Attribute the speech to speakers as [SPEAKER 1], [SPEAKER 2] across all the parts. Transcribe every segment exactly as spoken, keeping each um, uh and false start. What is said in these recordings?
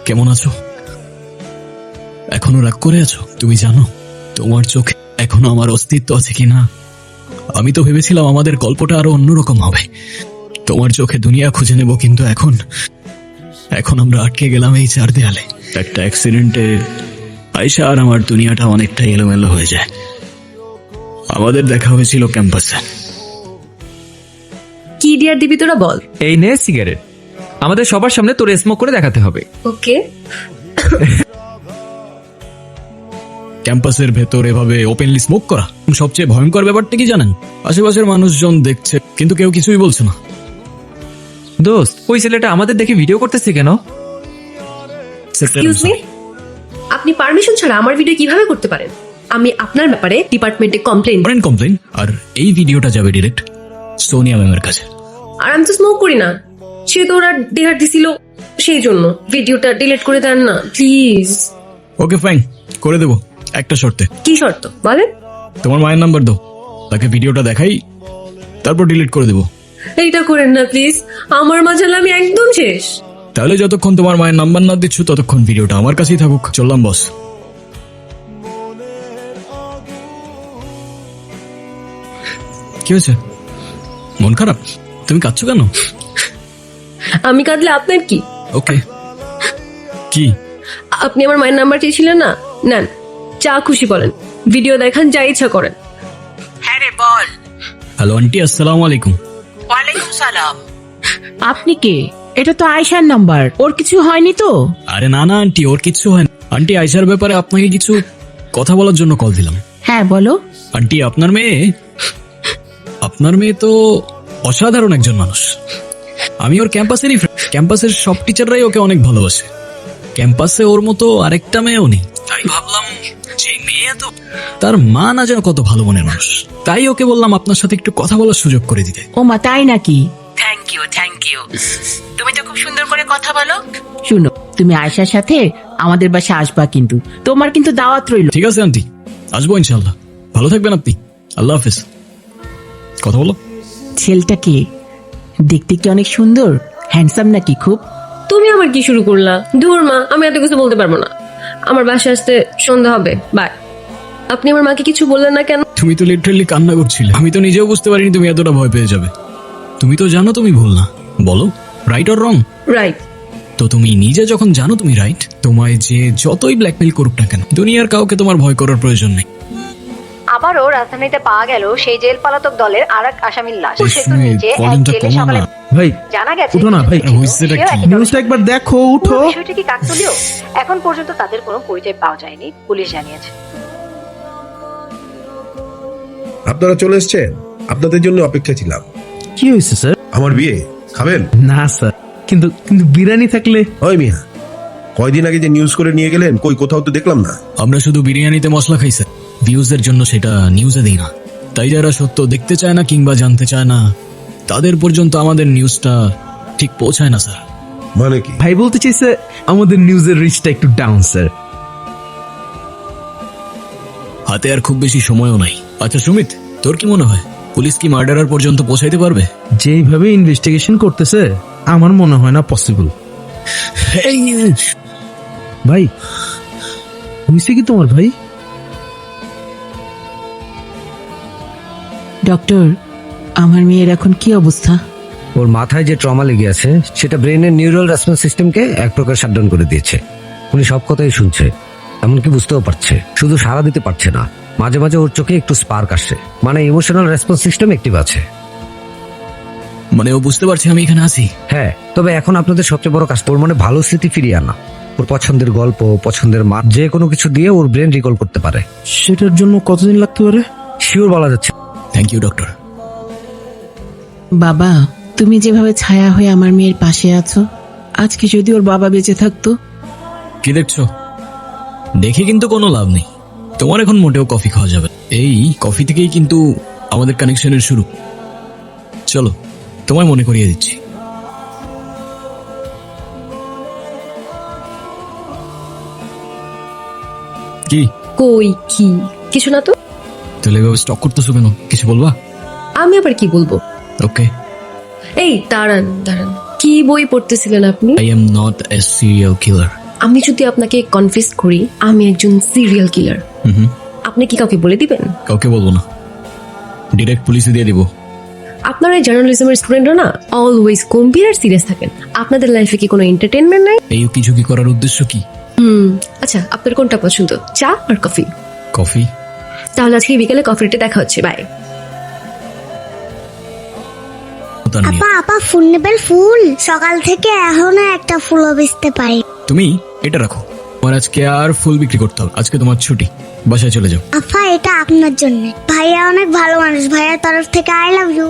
[SPEAKER 1] কেমন আছো? এখনো রাগ করে আছো? তুমি জানো তোমার চোখে এখনো আমার অস্তিত্ব আছে কিনা? আমি তো ভেবেছিলাম আমাদের গল্পটা আরো অন্যরকম হবে, তোমার চোখে দুনিয়া খুঁজে নেব, কিন্তু এখন এখন আমরা আটকে গেলাম এই চার দেয়ালে। একটা অ্যাক্সিডেন্টে আয়শা আর আমার দুনিয়াটা অনেকটা এলোমেলো হয়ে যায়। আমাদের দেখা হয়েছিল ক্যাম্পাসে।
[SPEAKER 2] কি ডিয়ার দিবি তোরা বল।
[SPEAKER 3] এই নে সিগারেট, আমাদের সবার সামনে তোর স্মোক করে দেখাতে হবে।
[SPEAKER 2] ওকে।
[SPEAKER 1] ক্যাম্পাসের ভেতর এভাবে ওপেনলি স্মোক করা, সবচেয়ে ভয়ঙ্কর ব্যাপারটা কি জানেন? আশেপাশের মানুষজন দেখছে কিন্তু কেউ কিছুই বলছে না।
[SPEAKER 3] দোস্ত, ওই ছেলেটা আমাদের দেখে ভিডিও করতেছে কেন?
[SPEAKER 2] এক্সকিউজ মি, আপনি পারমিশন ছাড়া আমার ভিডিও কিভাবে করতে পারেন? আমি আপনার ব্যাপারে ডিপার্টমেন্টে কমপ্লেইন
[SPEAKER 1] করেন কমপ্লেন, আর এই ভিডিওটা যাবে ডিরেক্ট সোনিয়া ম্যামের কাছে।
[SPEAKER 2] আর আমি তো স্মোক করি না, সে তো ওরা ডেহার দিছিল, সেই জন্য ভিডিওটা ডিলিট করে দেন না প্লিজ।
[SPEAKER 1] ওকে ফাইন, করে দেবো, একটা শর্তে।
[SPEAKER 2] কি শর্ত বলেন?
[SPEAKER 1] তোমার মায়ের নাম্বার দাও, তাকে ভিডিওটা দেখাই, তারপর ডিলিট করে দেবো।
[SPEAKER 2] এইটা করেন না প্লিজ, আমার মাঝালে আমি একদম শেষ।
[SPEAKER 1] তাহলে যতক্ষণ তোমার মায়ের নাম্বার না দিচ্ছ ততক্ষণ ভিডিওটা আমার কাছেই থাকুক। চললাম বস। কি হয়েছে? মন খারাপ? তুমি কাঁদছো কেন?
[SPEAKER 2] আমি কাঁদলে আপনার কি?
[SPEAKER 1] ওকে, কি?
[SPEAKER 2] আপনি আমার মায়ের নাম্বার চেয়েছিলেন না, নেন, যা খুশি বলেন, ভিডিও দেখান, যা ইচ্ছা করেন।
[SPEAKER 4] হ্যাঁ রে বল।
[SPEAKER 1] হ্যালো আন্টি, আসসালামু আলাইকুম।
[SPEAKER 4] ওয়ালাইকুম সালাম।
[SPEAKER 5] আপনি কে? এটা তো আয়শার নাম্বার, ওর কিছু হয়নি তো?
[SPEAKER 1] আরে না না আন্টি, ওর কিচ্ছু হয় না। আন্টি, আয়শার ব্যাপারে আপনাকে কিছু কথা বলার জন্য কল দিলাম।
[SPEAKER 5] হ্যাঁ বলো।
[SPEAKER 1] আন্টি, আপনার মেয়ে আপনার মেয়ে তো অসাধারণ একজন মানুষ। আমি ওর ক্যাম্পাসেরই ফ্রেন্ড, ক্যাম্পাসের সব টিচাররাই ওকে অনেক ভালোবাসে। ক্যাম্পাসে ওর মতো আরেকটা মেয়েও নেই। তাই ভাবলাম যে মেয়ে তো তার মা না যেন কত ভালো মনের মানুষ, তাই ওকে বললাম আপনার সাথে একটু কথা বলার সুযোগ করে দিতে।
[SPEAKER 5] ও মা, তাই নাকি?
[SPEAKER 4] থ্যাংক ইউ থ্যাংক ইউ, তুমি তো খুব সুন্দর করে কথা বলো।
[SPEAKER 5] শুনো, তুমি আয়শার সাথে আমাদের বাসায় আসবা, কিন্তু তোমার কিন্তু দাওয়াত রইল।
[SPEAKER 1] ঠিক আছে আন্টি, আসবো ইনশাল্লাহ। ভালো থাকবেন আপনি, আল্লাহ হাফেজ। কথা বলো।
[SPEAKER 5] ছেলেটা কে? দেখতে কি অনেক সুন্দর, হ্যান্ডসাম নাকি খুব?
[SPEAKER 2] তুমি আমার কি শুরু করলা? দূর মা, আমি এত কিছু বলতে পারবো না, আমার বাসায় আসতে সন্ধ্যা হবে, বাই। আপনি আমার মাকে কিছু বললেন না কেন?
[SPEAKER 1] তুমি তো লিটারালি কান্না করছিলে, আমি তো নিজেও বুঝতে পারিনি তুমি এতটা ভয় পেয়ে যাবে। তুমি তো জানো তুমি ভুল না, বলো রাইট অর রং?
[SPEAKER 2] রাইট।
[SPEAKER 1] তো তুমি নিজে যখন জানো তুমি রাইট, তোমায় যে যতই ব্ল্যাকমেইল করুক না কেন, দুনিয়ার কাউকে তোমার ভয় করার প্রয়োজন নেই।
[SPEAKER 6] আবারও রাজধানীতে পাওয়া গেল সেই জেল পলাতক দলের আর এক আসামির লাশ।
[SPEAKER 1] এই
[SPEAKER 6] সেতুর
[SPEAKER 1] শুনে
[SPEAKER 6] নিচে এক
[SPEAKER 1] কলিংটা
[SPEAKER 6] জেলে
[SPEAKER 1] কমা
[SPEAKER 6] সকালে
[SPEAKER 1] না।
[SPEAKER 7] ভাই
[SPEAKER 6] জানা গেছে
[SPEAKER 7] উঠো না ভাই,
[SPEAKER 6] কিছু
[SPEAKER 1] হইছেটা
[SPEAKER 6] ছিল
[SPEAKER 1] কি?
[SPEAKER 6] একই দলের।
[SPEAKER 7] নিউজটা একবার দেখো, উঠো।
[SPEAKER 6] পুরো বিষয়টি কি কাকতালীয়? এখন পর্যন্ত তাদের কোনো পরিচয় পাওয়া যায়নি, পুলিশ জানিয়েছে।
[SPEAKER 8] আপনারা চলে এসেছেন, আপনাদের জন্য অপেক্ষা ছিলাম।
[SPEAKER 7] কি হয়েছে স্যার?
[SPEAKER 8] আমার বিয়ে খাবেন?
[SPEAKER 7] না স্যার, কিন্তু কিন্তু বিরিয়ানি থাকলে।
[SPEAKER 8] ওই মিয়া, কয়দিন আগে যে নিউজ করে নিয়ে গেলেন, কই কোথাও তো দেখলাম না।
[SPEAKER 1] আমরা শুধু বিরিয়ানিতে মশলা খাই স্যার, ভিউজের জন্য সেটা নিউজে দিই না। তাই যারা সত্য দেখতে চায় না কিংবা জানতে চায় না, তাদের পর্যন্ত আমাদের নিউজটা ঠিক পৌঁছায় না স্যার।
[SPEAKER 8] মানে কি?
[SPEAKER 7] ভাই বলতে চাইছে আমাদের নিউজের রিচটা একটু ডাউন স্যার।
[SPEAKER 1] হাতে আর খুব বেশি সময়ও নাই। আচ্ছা সুমিত, তোর কি মনে হয় পুলিশ কি মার্ডারার পর্যন্ত পৌঁছাইতে পারবে?
[SPEAKER 7] যেইভাবে ইনভেস্টিগেশন করতেছে আমার মনে হয় না পসিবল। ভাই হয়েছে কি তোমার? ভাই
[SPEAKER 5] ডক্টর, আমার মেয়ের এখন কি অবস্থা?
[SPEAKER 9] ওর মাথায় যে ট্রমা লেগে আছে সেটা ব্রেনের নিউরাল রেসপন্স সিস্টেমকে এক প্রকার শাটডাউন করে দিয়েছে। উনি সব কথাই শুনছে, এমনকি বুঝতেও পারছে, শুধু সাড়া দিতে পারছে না। মাঝে মাঝে ওর চোখে একটু স্পার্ক আসছে, মানে ইমোশনাল রেসপন্স সিস্টেম অ্যাক্টিভ আছে।
[SPEAKER 1] মানে ও বুঝতে পারছে আমি এখানে আছি?
[SPEAKER 9] হ্যাঁ, তবে এখন আপনাদের সবচেয়ে বড় কাজ ওর মনে ভালো স্মৃতি ফিরিয়ে আনা। ওর পছন্দের গল্প, পছন্দের মা, যে কোনো কিছু দিয়ে ওর ব্রেন রিকল করতে পারে।
[SPEAKER 7] সেটার জন্য কতদিন লাগতে পারে
[SPEAKER 9] শিওর বলা যাচ্ছে।
[SPEAKER 1] Thank you doctor.
[SPEAKER 5] বাবা, তুমি যেভাবে ছায়া হয়ে আমার মেয়ের পাশে আছো, আজকে যদি ওর বাবা বেঁচে থাকতো।
[SPEAKER 1] কি দেখছো? দেখে কিন্তু কোনো লাভ নেই, তোমার এখন মোটেও কফি খাওয়া যাবে। এই কফি থেকেই কিন্তু আমাদের কানেকশনের শুরু। চলো তোমায় মনে করিয়ে দিচ্ছি। কি
[SPEAKER 2] কই কি? কিছু না তো।
[SPEAKER 1] তাহলে এভাবে স্টক করতেছো কেন? কিছু বলবা?
[SPEAKER 2] আমি আবার কি বলবো?
[SPEAKER 1] ওকে।
[SPEAKER 2] এই দাঁড়ান দাঁড়ান, কি বই পড়তেছিলেন আপনি?
[SPEAKER 1] I am not a serial killer.
[SPEAKER 2] আমি যদি আপনাকে কনফিউজ করি আমি একজন সিরিয়াল কিলার,
[SPEAKER 1] হুম হুম,
[SPEAKER 2] আপনি কি কাউকে বলে দিবেন?
[SPEAKER 1] কাউকে বলবো না, ডিরেক্ট পুলিশে দিয়ে দিব।
[SPEAKER 2] আপনারা জার্নালিজমের স্টুডেন্টরা না অলওয়েজ গম্ভীর আর সিরিয়াস থাকেন। আপনাদের লাইফে কি কোনো এন্টারটেনমেন্ট নাই?
[SPEAKER 1] এই কিছু কি করার উদ্দেশ্য কি?
[SPEAKER 2] হুম, আচ্ছা আপনার কোনটা পছন্দ, চা আর কফি?
[SPEAKER 1] কফি?
[SPEAKER 2] তাহলে আজকে বিকেলে কফি ডেটে দেখা হচ্ছে, বাই।
[SPEAKER 1] তার নিয়ে।
[SPEAKER 10] আপা আপা ফুল নেবেন? ফুল সকাল থেকে এখনো একটা ফুলও বেচতে পারি।
[SPEAKER 1] তুমি এটা রাখো, তোমার আজকে আর ফুল বিক্রি করতে হবে, আজকে তোমার ছুটি, বাসায় চলে যাও।
[SPEAKER 10] আপা এটা আপনার জন্য, ভাইয়া অনেক ভালো মানুষ, ভাইয়ার তরফ থেকে আই লাভ ইউ।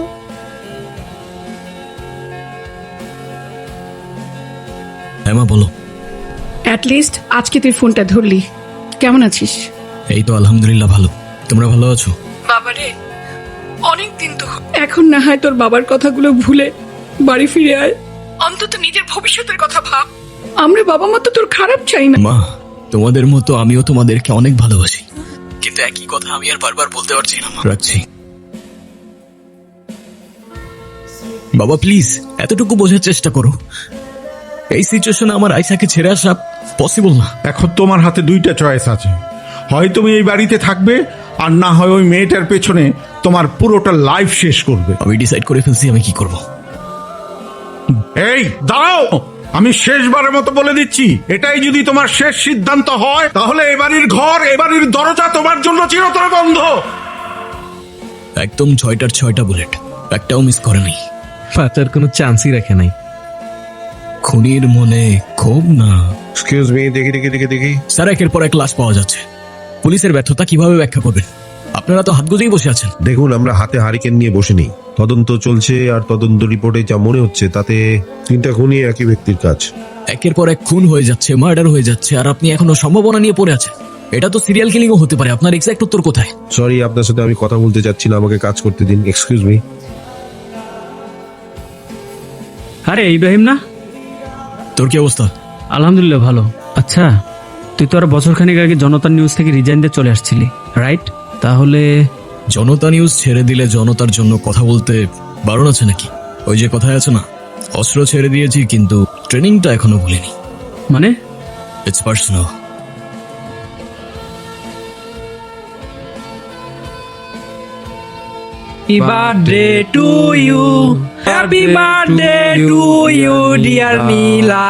[SPEAKER 1] হ্যাঁ মা বলো।
[SPEAKER 5] অ্যাটলিস্ট আজকে তুই ফোনটা ধরলি। কেমন আছিস?
[SPEAKER 1] এই তো আলহামদুলিল্লাহ ভালো, তোমরা ভালো আছো?
[SPEAKER 5] বাবারে অনেক দিন তো, এখন না হয় তোর বাবার কথাগুলো ভুলে বাড়ি ফিরে আয়, অন্তত নিজের ভবিষ্যতের কথা ভাব। আমরা বাবা মা তো তোর খারাপ চাই না।
[SPEAKER 1] মা তোমাদের মতো আমিও তোমাদেরকে অনেক ভালোবাসি, কিন্তু একই কথা আমি আর বারবার বলতে পারছি না। মা, রাখছি। বাবা প্লিজ এতটুকু বোঝার চেষ্টা করো, এই সিচুয়েশনে আমার আয়সাকে ছেড়ে আসা পসিবল না।
[SPEAKER 11] এখন তোমার হাতে দুইটা চয়েস আছে, হয় তুমি এই বাড়িতে থাকবে আর না হয় ওই মেয়েটার পেছনে তোমার পুরোটা লাইফ শেষ করবে।
[SPEAKER 1] আমি ডিসাইড করে ফেলছি আমি কি করব।
[SPEAKER 11] এই দাঁড়াও, আমি শেষবারের মতো বলে দিচ্ছি, এটাই যদি তোমার শেষ সিদ্ধান্ত হয় তাহলে এ বাড়ির ঘর, এ বাড়ির দরজা তোমার জন্য চিরতরে বন্ধ।
[SPEAKER 1] একদম ছয়টার ছয়টা বুলেট, একটাও মিস করে নাই।
[SPEAKER 7] বাঁচার কোনো চান্সই রাখে নাই।
[SPEAKER 1] খুনির মনে ক্ষোভ না।
[SPEAKER 8] এক্সকিউজ মি, দেখি দেখি দেখি দেখি
[SPEAKER 1] স্যার একের পর এক লাশ পাওয়া যাচ্ছে, পুলিশের ব্যর্থতা কিভাবে ব্যাখ্যা করবেন? আপনারা তো হাত গুজেই বসে আছেন।
[SPEAKER 8] দেখুন, আমরা হাতে হারিকেন নিয়ে বসে নেই, তদন্ত চলছে আর তদন্ত রিপোর্টে যা মনে হচ্ছে তাতে তিনটা খুনই একই ব্যক্তির কাজ।
[SPEAKER 1] একের পর এক খুন হয়ে যাচ্ছে, মার্ডার হয়ে যাচ্ছে, আর আপনি এখনো সম্ভাবনা নিয়ে পড়ে আছেন। এটা তো সিরিয়াল কিলিংও হতে পারে। আপনার এক্সাক্ট উত্তর কোথায়?
[SPEAKER 8] সরি, আপনার সাথে আমি কথা বলতে চাচ্ছি না, আমাকে কাজ করতে দিন। Excuse me.
[SPEAKER 7] আরে ইব্রাহিম না?
[SPEAKER 1] তোর কি অবস্থা?
[SPEAKER 7] আলহামদুলিল্লাহ ভালো। আচ্ছা তুই তো আর বছর খানিক আগে জনতা নিউজ থেকে রিজাইন দিয়ে চলে আসছিলি, রাইট? তাহলে
[SPEAKER 1] জনতা নিউজ ছেড়ে দিলে জনতার জন্য কথা বলতে বারণ আছে নাকি? ওই যে কথায় আছে না, অস্ত্র ছেড়ে দিয়েছি কিন্তু ট্রেনিংটা এখনো ভুলিনি।
[SPEAKER 7] মানে?
[SPEAKER 1] It's personal.
[SPEAKER 3] Happy birthday to you, happy birthday to you dear Neela.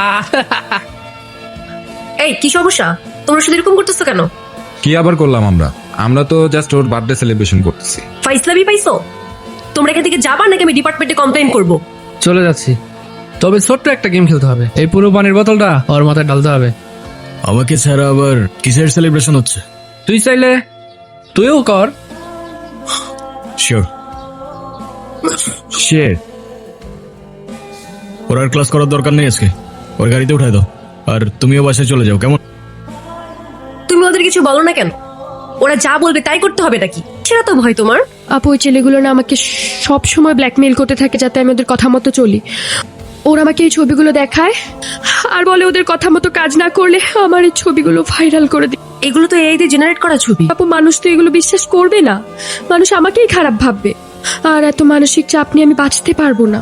[SPEAKER 2] এই কি সমস্যা, তোমরা শুধু এরকম করতেছো কেন?
[SPEAKER 12] কি আবার করলাম আমরা? আমরা তো জাস্ট ওর বার্থডে সেলিব্রেশন করতেছি।
[SPEAKER 2] ফাইসলামি পাইছো? তোমরা এখান থেকে যাবা নাকি আমি ডিপার্টমেন্টে কমপ্লেইন করব?
[SPEAKER 3] চলে যাচ্ছি, তবে ছোট্ট একটা গেম খেলতে হবে। এই পুরো পানির বোতলটা ওর মাথায় ঢালতে হবে।
[SPEAKER 1] আমাকে ছাড়া আবার কিসের সেলিব্রেশন হচ্ছে?
[SPEAKER 3] তুই চাইলে তুইও কর।
[SPEAKER 1] শিওর।
[SPEAKER 7] শের
[SPEAKER 1] ওর আর ক্লাস করার দরকার নেই আজকে, ওর গাড়িতে উঠাই দাও আর তুমিও বাসায় চলে যাও, কেমন?
[SPEAKER 2] তুমি ওদের কিছু বলো না কেন? ওরা যা বলবে তাই করতে হবে নাকি? সেটা তো ভয় তোমার।
[SPEAKER 13] আপু ওই ছেলেগুলো না আমাকে সব সময় ব্ল্যাকমেইল করতে থাকে যাতে আমি ওদের কথা মতো চলি। ওরা আমাকে এই ছবিগুলো দেখায় আর বলে ওদের কথা মতো কাজ না করলে আমার এই ছবিগুলো ভাইরাল করে দিই।
[SPEAKER 2] এগুলো তো এআই দিয়ে জেনারেট করা ছবি।
[SPEAKER 13] আপু মানুষ তো এগুলো বিশ্বাস করবে না, মানুষ আমাকেই খারাপ ভাববে, আর এত মানসিক চাপ নিয়ে আমি বাঁচতে পারবো না।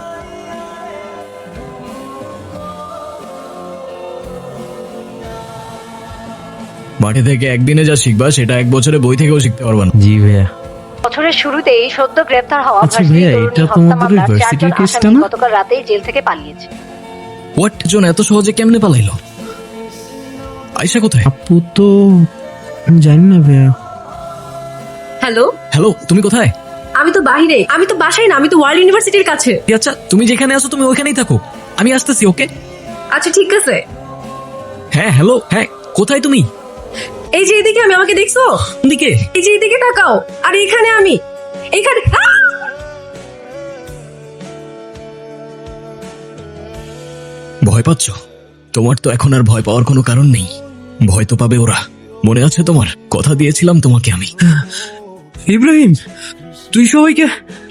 [SPEAKER 1] মাঠে থেকে একদিনে যা শিখবা সেটা এক বছরে বই থেকেও শিখতে পারবা না।
[SPEAKER 7] জি ভাইয়া।
[SPEAKER 6] বছরের শুরুতেই সদ্য গ্রেপ্তার হওয়া
[SPEAKER 7] আচ্ছা
[SPEAKER 6] ভার্সিটি
[SPEAKER 7] ভাইয়া,
[SPEAKER 6] তরুণী
[SPEAKER 7] এটা
[SPEAKER 6] হত্যা
[SPEAKER 7] তোমাদের
[SPEAKER 6] মামলার
[SPEAKER 7] ভার্সিটির
[SPEAKER 6] চারজন
[SPEAKER 7] কেসটা
[SPEAKER 6] আসামি
[SPEAKER 7] না?
[SPEAKER 6] গতকাল রাতেই জেল থেকে পালিয়েছে।
[SPEAKER 1] হোয়াট জন এত সহজে কেমনে পালাইলো? আয়শা কোথায়?
[SPEAKER 7] আপু তো আমি জানি না ভাইয়া।
[SPEAKER 2] হ্যালো
[SPEAKER 1] হ্যালো, তুমি কোথায়?
[SPEAKER 2] আমি তো বাইরে, আমি তো বাসায় না, আমি তো ওয়ার্ল্ড ইউনিভার্সিটির কাছে।
[SPEAKER 1] আচ্ছা তুমি যেখানে আছো তুমি ওইখানেই থাকো, আমি আসতেছি। ওকে
[SPEAKER 2] আচ্ছা ঠিক আছে।
[SPEAKER 1] হ্যাঁ হ্যালো, হ্যাঁ কোথায় তুমি?
[SPEAKER 2] এই যে এদিকে, আমি, আমাকে দেখছো?
[SPEAKER 1] দিকে
[SPEAKER 2] এই যে এদিকে তাকাও, আর এখানে আমি, এখানে।
[SPEAKER 1] ভয় পাচ্ছ? তোমার তো এখন আর ভয় পাওয়ার কোনো কারণ নেই, ভয় তো পাবে ওরা। মনে আছে তোমার? কথা দিয়েছিলাম তোমাকে আমি।
[SPEAKER 7] ইব্রাহিম তুই সবাইকে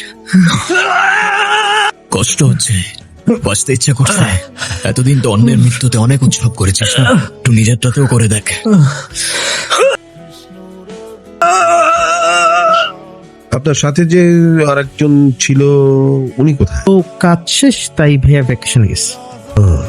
[SPEAKER 1] কষ্ট হচ্ছে, বাঁচতে ইচ্ছা করছে। এতদিন তো অন্যের মৃত্যুতে অনেক উৎসব করেছিস না, একটু নিজেরটাতেও করে দেখ।
[SPEAKER 8] আপনার সাথে যে আরেকজন ছিল উনি কোথায়?
[SPEAKER 7] ও কাজ শেষ তাই ভাইয়া ভ্যাকেশনে গেছে।